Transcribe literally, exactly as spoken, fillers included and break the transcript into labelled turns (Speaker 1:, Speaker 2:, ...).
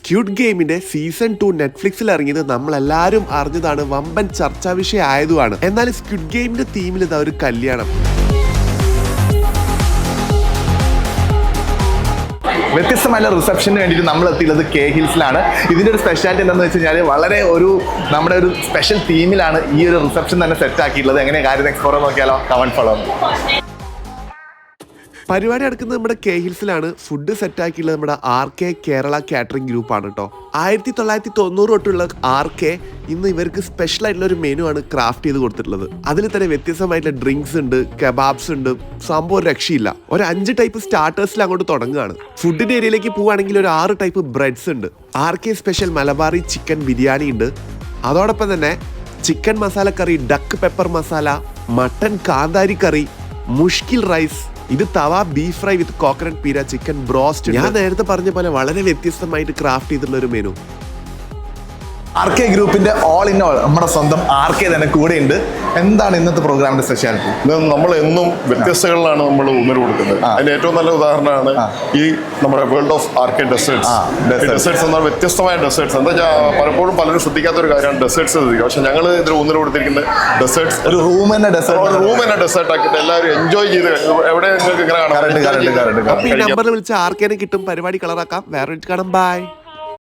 Speaker 1: Squid ഗെയിമിന്റെ season two നെറ്റ്ഫ്ലിക്സിൽ ഇറങ്ങിയത് നമ്മളെല്ലാവരും അറിഞ്ഞതാണ്, വമ്പൻ ചർച്ചാ വിഷയം ആയതുമാണ്. എന്നാൽ സ്ക്വിഡ് ഗെയിമിന്റെ തീമിൽ ഇതാ ഒരു കല്യാണം.
Speaker 2: വ്യത്യസ്തമായ റിസപ്ഷന് വേണ്ടിയിട്ട് നമ്മൾ എത്തിയുള്ളത് കെ ഹിൽസിലാണ്. ഇതിൻ്റെ ഒരു സ്പെഷ്യാലിറ്റി എന്താണെന്ന് വെച്ച് കഴിഞ്ഞാൽ വളരെ ഒരു നമ്മുടെ ഒരു സ്പെഷ്യൽ തീമിലാണ് ഈ ഒരു റിസപ്ഷൻ തന്നെ സെറ്റ് ആക്കിയിട്ടുള്ളത്. എങ്ങനെ കാര്യം എക്സ്പ്ലോർ നോക്കിയാലോ? Comment follow.
Speaker 1: പരിപാടി നടക്കുന്നത് നമ്മുടെ കെ ഹിൽസിലാണ്. ഫുഡ് സെറ്റ് ആക്കിയിട്ടുള്ളത് നമ്മുടെ ആർ കെ കേരള കാറ്ററിംഗ് ഗ്രൂപ്പാണ് കേട്ടോ. ആയിരത്തി തൊള്ളായിരത്തി തൊണ്ണൂറ് തൊട്ടുള്ള ആർ കെ ഇന്ന് ഇവർക്ക് സ്പെഷ്യൽ ആയിട്ടുള്ള ഒരു മെനു ആണ് ക്രാഫ്റ്റ് ചെയ്ത് കൊടുത്തിട്ടുള്ളത്. അതിൽ തന്നെ വ്യത്യസ്തമായിട്ടുള്ള ഡ്രിങ്ക്സ് ഉണ്ട്, കബാബ്സ് ഉണ്ട്, സംഭവം രക്ഷയില്ല. ഒരു അഞ്ച് ടൈപ്പ് സ്റ്റാർട്ടേഴ്സിൽ അങ്ങോട്ട് തുടങ്ങുകയാണ്. ഫുഡിന്റെ ഏരിയയിലേക്ക് പോവുകയാണെങ്കിൽ ഒരു ആറ് ടൈപ്പ് ബ്രെഡ്സ് ഉണ്ട്. R K special Malabari chicken biryani ഉണ്ട്. അതോടൊപ്പം തന്നെ chicken masala curry, duck pepper masala, mutton kanthari curry, മുഷ്കിൽ റൈസ്, ഇത് tawa beef fry with coconut peera, chicken broast. ഞാൻ നേരത്തെ പറഞ്ഞ പോലെ വളരെ വ്യത്യസ്തമായിട്ട് ക്രാഫ്റ്റ് ചെയ്തിട്ടുള്ള ഒരു മെനു.
Speaker 2: ആർ കെ ഗ്രൂപ്പിന്റെ ഓൾ ഇൻ ഓൾ നമ്മുടെ സ്വന്തം ആർ കെ തന്നെ കൂടെ ഉണ്ട്. എന്താണ് ഇന്നത്തെ പ്രോഗ്രാമിന്റെ സ്പെഷ്യാലിറ്റി?
Speaker 3: നമ്മൾ എന്നും വ്യത്യസ്തകളിലാണ് നമ്മൾ ഊന്നൽ കൊടുക്കുന്നത്. അതിന്റെ ഏറ്റവും നല്ല ഉദാഹരണമാണ് ഈ നമ്മുടെ world of R K desserts. Desserts എന്നാൽ വ്യത്യസ്തമായ ഡെസേർട്സ്. എന്താ വെച്ചാൽ പലപ്പോഴും പലരും ശ്രദ്ധിക്കാത്ത ഒരു കാര്യമാണ് ഡെസേർട്സ് ശ്രദ്ധിക്കുക. പക്ഷെ ഞങ്ങൾ ഇതിൽ ഊന്നൽ കൊടുത്തിരിക്കുന്നത് ഡെസേർട്സ്, ഒരു റൂം തന്നെ ഡെസേർട്ട് റൂം തന്നെ ഡെസേർട്ട് ആക്കിയിട്ട് എല്ലാവരും എൻജോയ് ചെയ്ത് എവിടെ നിങ്ങൾക്ക് ഇങ്ങനെ കാണാം.
Speaker 1: ഈ നമ്പറിൽ വിളിച്ച് ആർ കെനെ കിട്ടും. പരിപാടി കളറാക്കാം. വേറെ കാണാം. ബൈ.